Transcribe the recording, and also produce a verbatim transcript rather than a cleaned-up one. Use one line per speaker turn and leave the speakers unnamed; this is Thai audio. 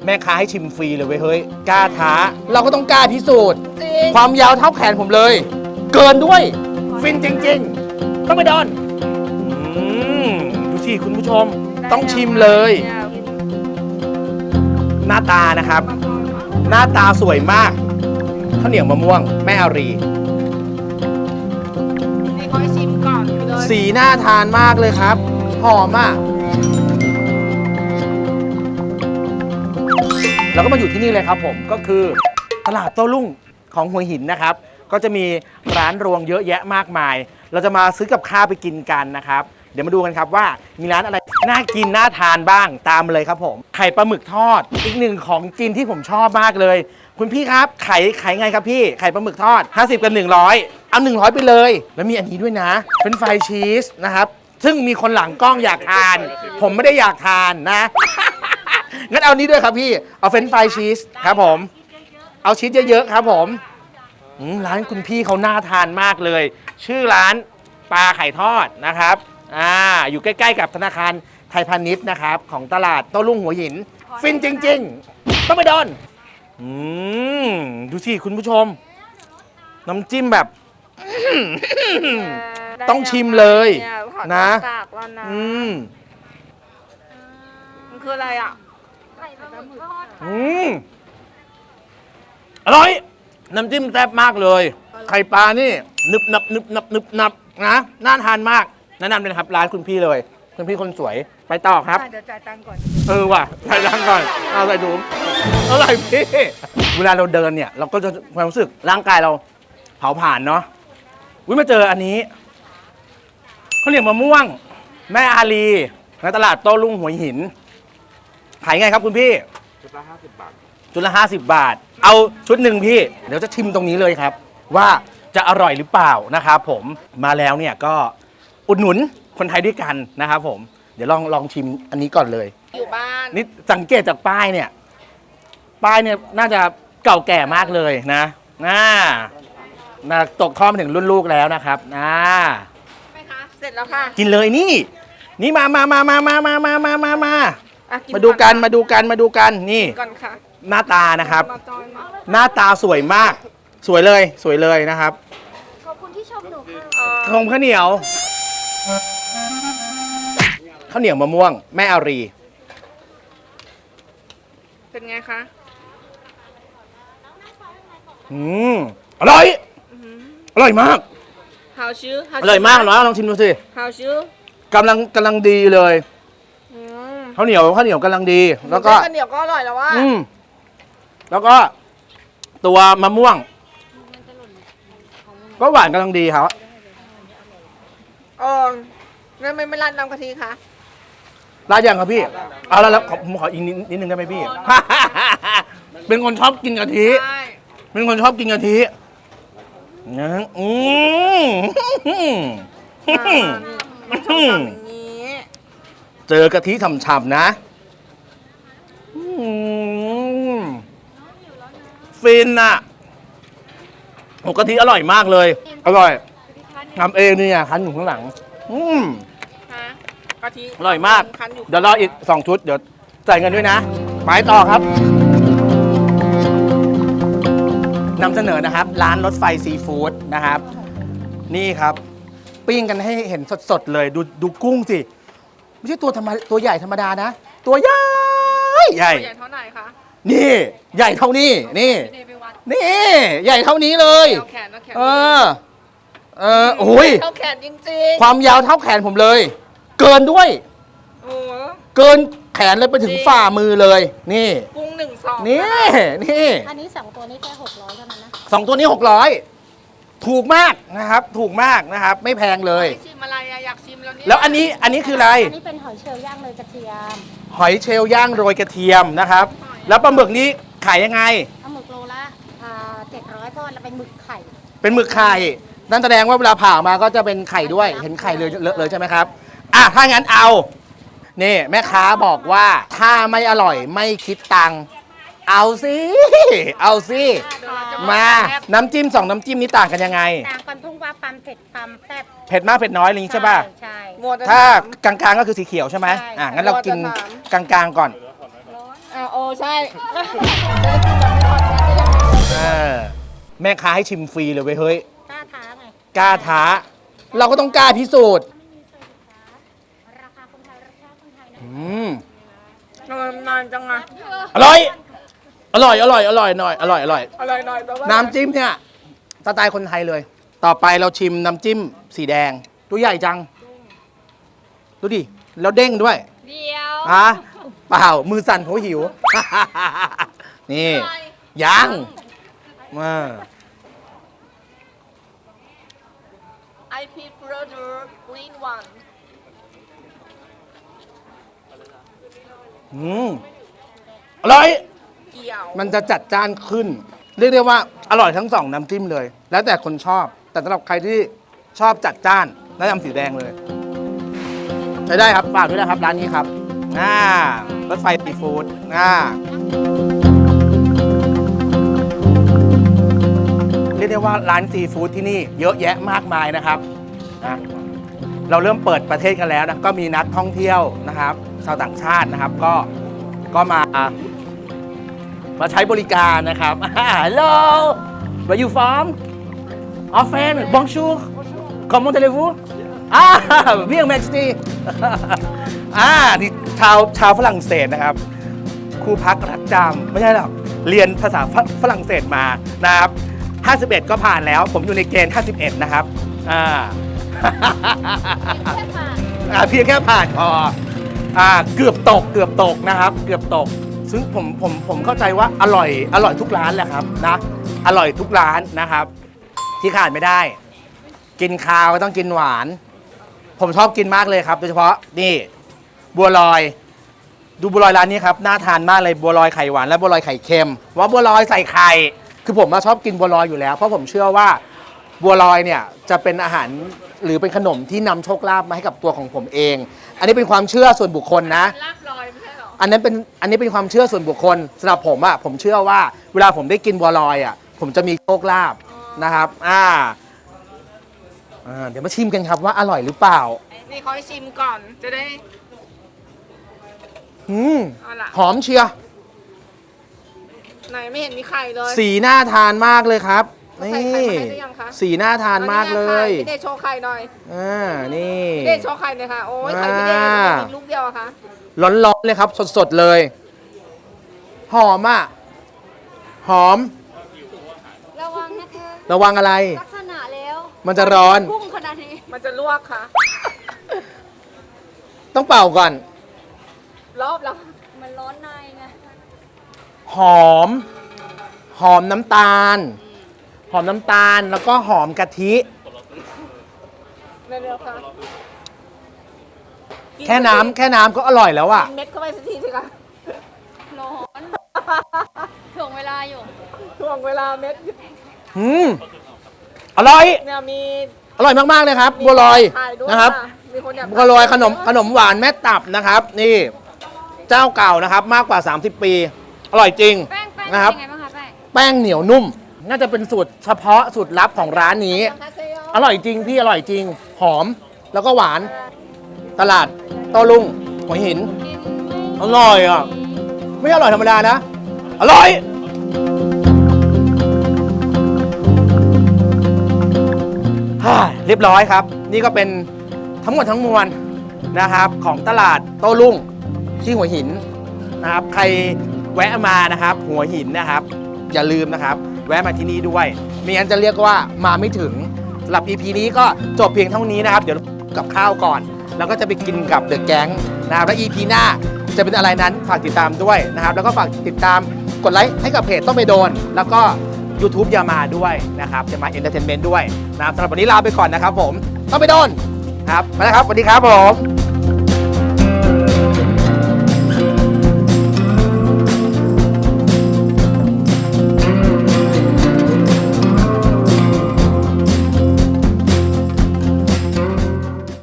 ม่ค้าให้ชิมฟรีเลยเว้ยเฮ้ยกล้าท้าเราก็ต้องกล้าพิสูจน์ความยาวเท่าแขนผมเลย เกินด้วยฟินจริงๆต้องไปโดนอืมดูสิคุณผู้ชมต้องชิมเลยหน้าตานะครับหน้าตาสวยมากข้าวเหนียวมะม่วงแม่อารี
นี่ขอให้ชิมก่อนเลย
สีน่าทานมากเลยครับหอมอ่ะเราก็มาอยู่ที่นี่เลยครับผมก็คือตลาดโต้รุ่งของหัวหินนะครับก็จะมีร้านรวงเยอะแยะมากมายเราจะมาซื้อกับข้าวไปกินกันนะครับเดี๋ยวมาดูกันครับว่ามีร้านอะไรน่ากินน่าทานบ้างตามเลยครับผมไข่ปลาหมึกทอดอีกหนึ่งของกินที่ผมชอบมากเลยคุณพี่ครับไข่ไข่ไงครับพี่ไข่ปลาหมึกทอดห้าสิบกับหนึ่งร้อยเอาหนึ่งร้อยไปเลยแล้วมีอันนี้ด้วยนะเป็นไฟชีสนะครับซึ่งมีคนหลังกล้องอยากทานผมไม่ได้อยากทานนะงั้นเอานี้ด้วยครับพี่เอาเฟรนช์ฟรายชีสครับผมเอาชีสเยอะๆครับผมร้านคุณพี่เขาน่าทานมากเลยชื่อร้านปลาไข่ทอดนะครับอ่าอยู่ใกล้ๆกับธนาคารไทยพาณิชย์นะครับของตลาดโต้รุ่งหัวหินฟินจริงๆต้องไปโดนอืมดูสิคุณผู้ชมน้ำจิ้มแบบต้องชิมเลยนะอืม
มันคืออะไรอ่ะ
ไข่ปลาหมึกทอด
อืมอร่อยน้ำจิ้มแซ่บมากเลยไข่ปลานี่นึบนับนึบนับนึบนับนะน่าทานมากแนะนำเลยครับร้านคุณพี่เลยคุณพี่คนสวยไปต่อครับ
เดี๋ยวจ่ายตังค์ก่อน
เออว่ะจ่ายตังค์ก่อนเอาใส่ถุงอร่อยพี่เวลาเราเดินเนี่ยเราก็จะความรู้สึกร่างกายเราเผาผ่านเนาะวิมาเจออันนี้ข้าวเหนียวมะม่วงแม่อารีในตลาดโต้รุ่งหัวหินขายไงครับคุณพี่ชุดละห้าสิบบาทชุดละห้าสิบบาทเอาชุดหนึ่งพี่เดี๋ยวจะชิมตรงนี้เลยครับว่าจะอร่อยหรือเปล่านะครับผมมาแล้วเนี่ยก็อุดหนุนคนไทยด้วยกันนะครับผมเดี๋ยวลองลองชิมอันนี้ก่อนเลย
อยู่บ้าน
นี่สังเกตจากป้ายเนี่ยป้ายเนี่ยน่าจะเก่าแก่มากเลยนะน่าน่าตกทอดมาถึงรุ่นลูกแล้วนะครับน่า
ไหมคะเสร็จแล้วค่ะ
กินเลยนี่นี่มามามามามามามามามามา
อ่ะ
มาดูกันมาดูกันมาดูกันนี่
ก่อนค่ะ
หน้าตานะครับ
มาจอยมา
หน้าตาสวยมากสวยเลยสวยเลยนะครับ
ขอบคุณที่ชมหนูค่ะ
ทงข้าวเหนียวข้าวเหนียวมะม่วงแม่อารี
เป็นไงคะ
อืมอร่อยอร่อยมาก
Howชื่อ
อร่อยมากเนาะลองชิมดูสิ
Howชื่
อกำลังกำลังดีเลยข้าวเหนียวข้าวเหนียวกำลังดีแล้วก็
ข้าวเหนียวก็อร่อยแล้วว่า
อืมแล้วก็ตัวมะม่วงก็หวานกำลังดีครับ
เออแล้วไม่ไม่ราดน้ำกะทิคะ
ราดยังครับพี่เอาแล้วแล้วผมขออีกนิดนึงได้ไหมพี่เป็นคนชอบกินกะทิเป็นคนชอบกินกะทินะอืม
มันชอบทำอย่างนี้
เจอกะทิฉ่ำๆนะฟินอ่ะโอ้กะทิอร่อยมากเลยอร่อยทำเองนี่ไงคั้นอยู่ข้างหลังอืม
กะทิ
อร่อยมากเดี๋ยวรออีกสองชุดเดี๋ยวจ่ายเงินด้วยนะไปต่อครับนำเสนอนะครับร้านรถไฟซีฟู้ดนะครับนี่ครับปิ้งกันให้เห็นสดๆเลยดูดูกุ้งสิไม่ใช่ตัวธรรมตัวใหญ่ธรรมดานะตัวใหญ่ใหญ่
ใหญ่เท่าไหร่คะ
นี่ใหญ่เท่านี้นี่นี่ใหญ่เท่านี้เลยเออเออโอ้ย
เท่าแขนจริง
ๆความยาวเท่าแขนผมเลยเกินด้วย
โอ้
เกินแขนเลยไปถึงฝ่ามือเลยนี่
กุ้งหนึ่งสอง
นี่นี่
อันนี้สองตัวนี้แค่หกร้อยเท่านั้นนะ
สองตัวนี้หกร้อยถูกมากนะครับถูกมากนะครับไม่แพงเลย
ชิมอะไรอยากชิมแล้วนี่
แล้วอันนี้อันนี้คืออะไร
อันนี้เป็นหอยเชลล์ย่างโรยกระเทียม
หอยเชลล์ย่างโรยกระเทียมนะครับแล้วปลาหมึกนี้ขายยังไง
ปลาหมึกโลละเจ็ดร้อยเพราะเราเป็นหมึกไข่
เป็นหมึกไข่นั่นแสดงว่าเวลาผ่ามาก็จะเป็นไข่ด้วยเห็นไข่เลยเลยใช่ไหมครับอ่ะถ้างั้นเอานี่แม่ค้าบอกว่าถ้าไม่อร่อยไม่คิดตังค์เอาสิเอาสิมาน้ำจิ้มสองน้ำจิ้มนี้ต่างกันยังไง
ต่างกันทุ่งว่าความเผ็ดความแซ่บ
เผ็ดมากเผ็ดน้อยอะไรอย่างนี้ใช่ป่ะ
ใช่
ถ้ากลางๆก็คือสีเขียวใช่ไหมอ่ะงั้นเรากินกลางๆก่อน
อ่าโอ้ใช่จะได้กินแบบไม่ทอดแก๊สได้ยังไง
เออแม่ค้าให้ชิมฟรีเลยเว้ยเฮ้ย
กล้าท้าไง
กล้าท้า เราก็ต้องกล้าพิสูจน์
ราคาคนไทยราคาคนไทยนะ
อืม
ทำไมนานจังอะ
อร่อย อร่อย อร่อย อร่อยหน่อย อร่อย อร่อย
อร่อยหน่อยแปลว่า
น้ำจิ้มเนี่ยสไตล์คนไทยเลย ต่อไปเราชิมน้ำจิ้มสีแดง ตัวใหญ่จัง ดูดิ แล้วเด้งด้วย
เดียว
อ่ะเปล่า มือสั่นเพราะหิว นี่ยังมา
ไอพีโปรดูกรีนวัน
อืมอร่อย
เกี่ยว
มันจะจัดจ้านขึ้น เรียกได้ว่าอร่อยทั้งสองน้ำจิ้มเลย แล้วแต่คนชอบ แต่สำหรับใครที่ชอบจัดจ้านแนะนำสีแดงเลยใช้ได้ครับฝากด้วยนะครับ ร้านนี้ครับอ่ารถไฟซีฟู้ดอ่าเรียกได้ว่าร้านซีฟู้ดที่นี่เยอะแยะมากมายนะครับนะเราเริ่มเปิดประเทศกันแล้วนะก็มีนักท่องเที่ยวนะครับ ชาวต่างชาตินะครับ ก็ก็มา มาใช้บริการนะครับ Hello where you from Our friend Bonjour Comment allez-vous อ่า Bien merci อ่านี่ชาวชาวฝรั่งเศสนะครับครูพักรักจำไม่ใช่หรอกเรียนภาษาฝฝรั่งเศสมานะครับห้าสิบเอ็ดก็ผ่านแล้ว ผมอยู่ในเกณฑ์ห้าสิบเอ็ดนะครับอ่า อ่าเพียงแค่ผ่านพออ่าเกือบตกเกือบตกนะครับ เกือบตก ซึ่งผมผมผมเข้าใจว่าอร่อยอร่อยทุกร้านแหละครับนะอร่อยทุกร้านนะครับ ที่ขาดไม่ได้ กินข้าวก็ต้องกินหวาน ผมชอบกินมากเลยครับ โดยเฉพาะนี่บัวลอย ดูบัวลอยร้านนี้ครับน่าทานมากเลยบัวลอยไข่หวานและบัวลอยไข่เค็มว่าบัวลอยใส่ไข่คือผมมาชอบกินบัวลอยอยู่แล้วเพราะผมเชื่อว่าบัวลอยเนี่ยจะเป็นอาหารหรือเป็นขนมที่นำโชคลาภมาให้กับตัวของผมเอง อันนี้เป็นความเชื่อส่วนบุคคลนะ
ลาบลอยไม่ใช่หรอ
อันนั้นเป็นอันนี้เป็นความเชื่อส่วนบุคคลสำหรับผมอะผมเชื่อว่าเวลาผมได้กินบัวลอยอะผมจะมีโชคลาภนะครับอ่าอ่าเดี๋ยวมาชิมกันครับว่าอร่อยหรือเปล่า
นี่เขาให้ชิมก่อนจะได้
อืม
เอาล่ะ
หอมเชียร์
ไหนไม่เห็นมีไข่เลย
สีน่าทานมากเลยครับ
ใส่
นี่
ไข่มาให้หรือยังคะ
สีน่าทานมากเลย
พี่เดชโชว์ไข่หน่อย
อ่านี่
พี่เดชโชว์ไข่หน่อยค่ะโอ้ยไข่พี่เดช
อ่า
มีลูกเดียวอะคะ
ร้อนๆเลยครับ สดๆเลย หอมอ่ะหอม
ระวังนะคะ
ระวังอะไร
ลักษณะแล้ว
มันจะร้อน
พุ่งขนาดนี้
มันจะลวกค่ะ
ต้องเป่าก่อน
รอบแล้ว
มันร้อนในไง
หอม หอมน้ำตาล หอมน้ำตาลแล้วก็หอมกะทิ
เร็วๆค่ะ
แค่น้ำแค่น้ำก็อร่อยแล้วอ่ะ
กินเม็ดเข้าไปสักทีสิคะ
ร้อนถ่วงเวลาอยู่
ช่วงเวลาเม็ด
อืมอร่อย
เนี่ยมี
อร่อยมากๆเลยครับ บัวลอย
ถ่ายด้วย
นะครับ
มีคนอยาก
บัวลอยขนมขนมหวานแม่ตับนะครับ นี่ เจ้าเก่านะครับ มากกว่า สามสิบ ปี อร่อยจริง
แป้งแป้ง
นะครับ
เป็นยังไงบ้างคะแป้ง
แป้งเหนียวนุ่ม น่าจะเป็นสูตรเฉพาะสูตรลับของร้านนี้
คาเซโย
อร่อยจริงพี่อร่อยจริง หอมแล้วก็หวาน ตลาดโต้รุ่งหัวหิน
กิน
อร่อยอ่ะ ไม่อร่อยธรรมดานะ อร่อย ฮ่าเรียบร้อยครับ นี่ก็เป็นทั้งหมดทั้งมวลนะครับ ของตลาดโต้รุ่งที่หัวหินนะครับ ใครแวะมานะครับ หัวหินนะครับ อย่าลืมนะครับ แวะมาที่นี่ด้วยไม่งั้นจะเรียกว่ามาไม่ถึงสำหรับ อี พี นี้ก็จบเพียงเท่านี้นะครับ เดี๋ยวกับข้าวก่อน แล้วก็จะไปกินกับเดอะแก๊งนะครับและ อี พี หน้าจะเป็นอะไรนั้นฝากติดตามด้วยนะครับ แล้วก็ฝากติดตามกดไลค์ให้กับเพจต้องไปโดน แล้วก็ YouTube อย่ามาด้วยนะครับจะมาเอนเตอร์เทนเมนต์ด้วยนะครับสำหรับวันนี้ลาไปก่อนนะครับผมต้องไปโดนครับไปแล้วครับสวัสดีครับผม